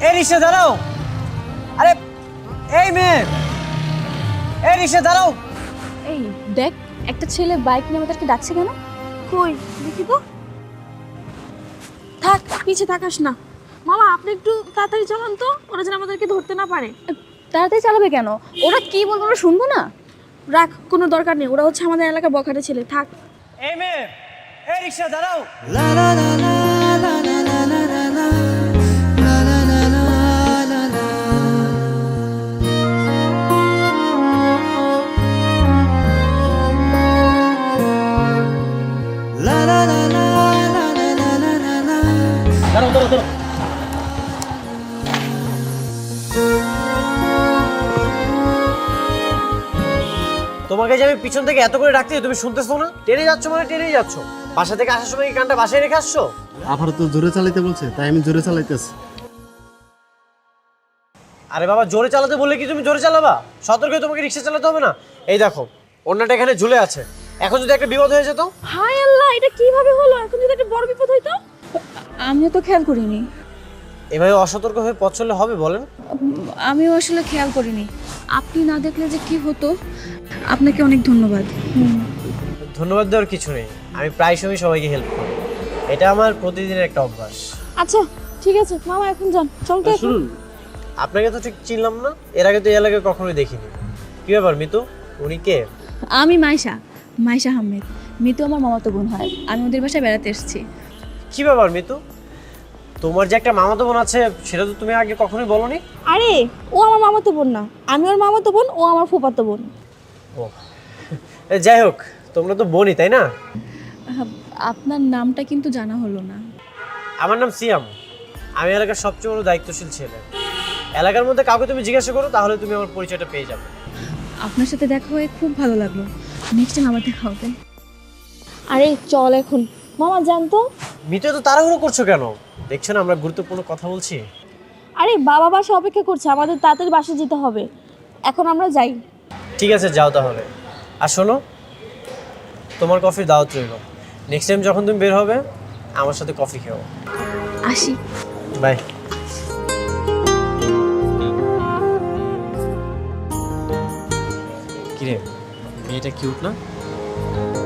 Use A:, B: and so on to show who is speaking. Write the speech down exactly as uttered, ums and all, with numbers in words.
A: এই রিক্সা দাঁড়াও। আরে এই মেয়ে, এই রিক্সা দাঁড়াও।
B: এই দেখ, একটা ছেলে বাইক নিয়ে আমাদেরকে ডাকছে কেন?
C: কই দেখি তো। থাক, পিছে তাকাস না। মামা আপনি একটু তাড়াতাড়ি চালান তো, ওরা যেন আমাদেরকে ধরতে না পারে।
B: তাড়াতাড়ি চালাবে কেন? ওরা কি বলবো আমরা শুনবো না?
C: রাখ, কোনো দরকার নেই, ওরা হচ্ছে আমাদের এলাকার বখাটে ছেলে। থাক।
A: এই মেয়ে, এই রিক্সা দাঁড়াও। দাঁড়াও দাঁড়াও দাঁড়াও। তোমাকে যে আমি পিছন থেকে এত করে ডাকতে তুমি শুনতেছো না? টেনে যাচ্ছ মানে টেনেই যাচ্ছ। বাসা থেকে আসার সময় কি কানটা বাসায় রেখে আসছো?
D: আবার তো জোরে চালাইতে বলছে, তাই আমি জোরে চালাইতেছি।
A: আরে বাবা, জোরে চালাতে বললে কি তুমি জোরে চালাবা? সতর্ক হয়ে তোমাকে রিক্সা চালাতে হবে না? এই দেখো, অন্যটা এখানে ঝুলে আছে। এখন যদি একটা বিপদ হয়ে যেত?
C: হায় আল্লাহ, এটা কিভাবে হলো? এখন যদি একটা বড় বিপদ হইতো।
B: আমিও তো খেয়াল করিনি।
A: এভাবে অসতর্ক হয়ে পথ চললে হবে বলেন?
B: আমিও আসলে খেয়াল করিনি। আপনি না দেখলে যে কি হতো। আপনাকে অনেক ধন্যবাদ।
A: ধন্যবাদ দেওয়ার কিছু নেই, আমি প্রায় সময় সবাইকে হেল্প করি। এটা আমার প্রতিদিনের একটা অভ্যাস।
C: আচ্ছা ঠিক আছে মামা, এখন যান, চল তো। এখন
D: শুনুন,
A: আপনাকে তো ঠিক চিনলাম না, এর আগে তো এই এলাকায় কখনোই দেখিনি। কি ব্যাপার মিতু, উনি কে?
B: আমি মাইশা, মাইশা আহমেদ। মিতু আমার মামাতো বোন হয়। আমি ওদের বাসায় বেড়াতে এসেছি।
A: কি ব্যাপার মিতু, তোমার যে একটা মামাতো বোন আছে সেটা তো তুমি আগে কখনোই বলোনি।
C: আরে ও আমার মামাতো বোন না, আমি ওর মামাতো বোন, ও আমার ফুফাতো বোন।
A: ও এ, যাই হোক, তোমরা তো বোনই তাই না?
B: আহ, আপনার নামটা কিন্তু জানা হলো না।
A: আমার নাম সিয়াম, আমি এলাকার সবচেয়ে বড় দায়িত্বশীল ছেলে। এলাকার মধ্যে কাউকে তুমি জিজ্ঞাসা করো, তাহলে তুমি আমার পরিচয়টা পেয়ে যাবে।
B: আপনার সাথে দেখা হয়ে খুব ভালো লাগলো। নেক্সট টাইম আবার দেখা হবে।
C: আরে চল এখন মামা, যান তো।
A: মিতু তো তাড়াহুড়ো করছো কেন? দেখছো না আমরা গুরুত্বপূর্ণ কথা বলছি।
C: আরে বাবা বাসা অপেক্ষা করছে, আমাদের তাড়াতাড়ি বাসে যেতে হবে। এখন আমরা যাই।
A: ঠিক আছে যাও তাহলে। আর শোনো, তোমার কফির দাওয়াত রইল। নেক্সট টাইম যখন তুমি বের হবে আমার সাথে কফি খেও।
B: আসি।
A: বাই। কিরে, মেয়েটা কিউট না?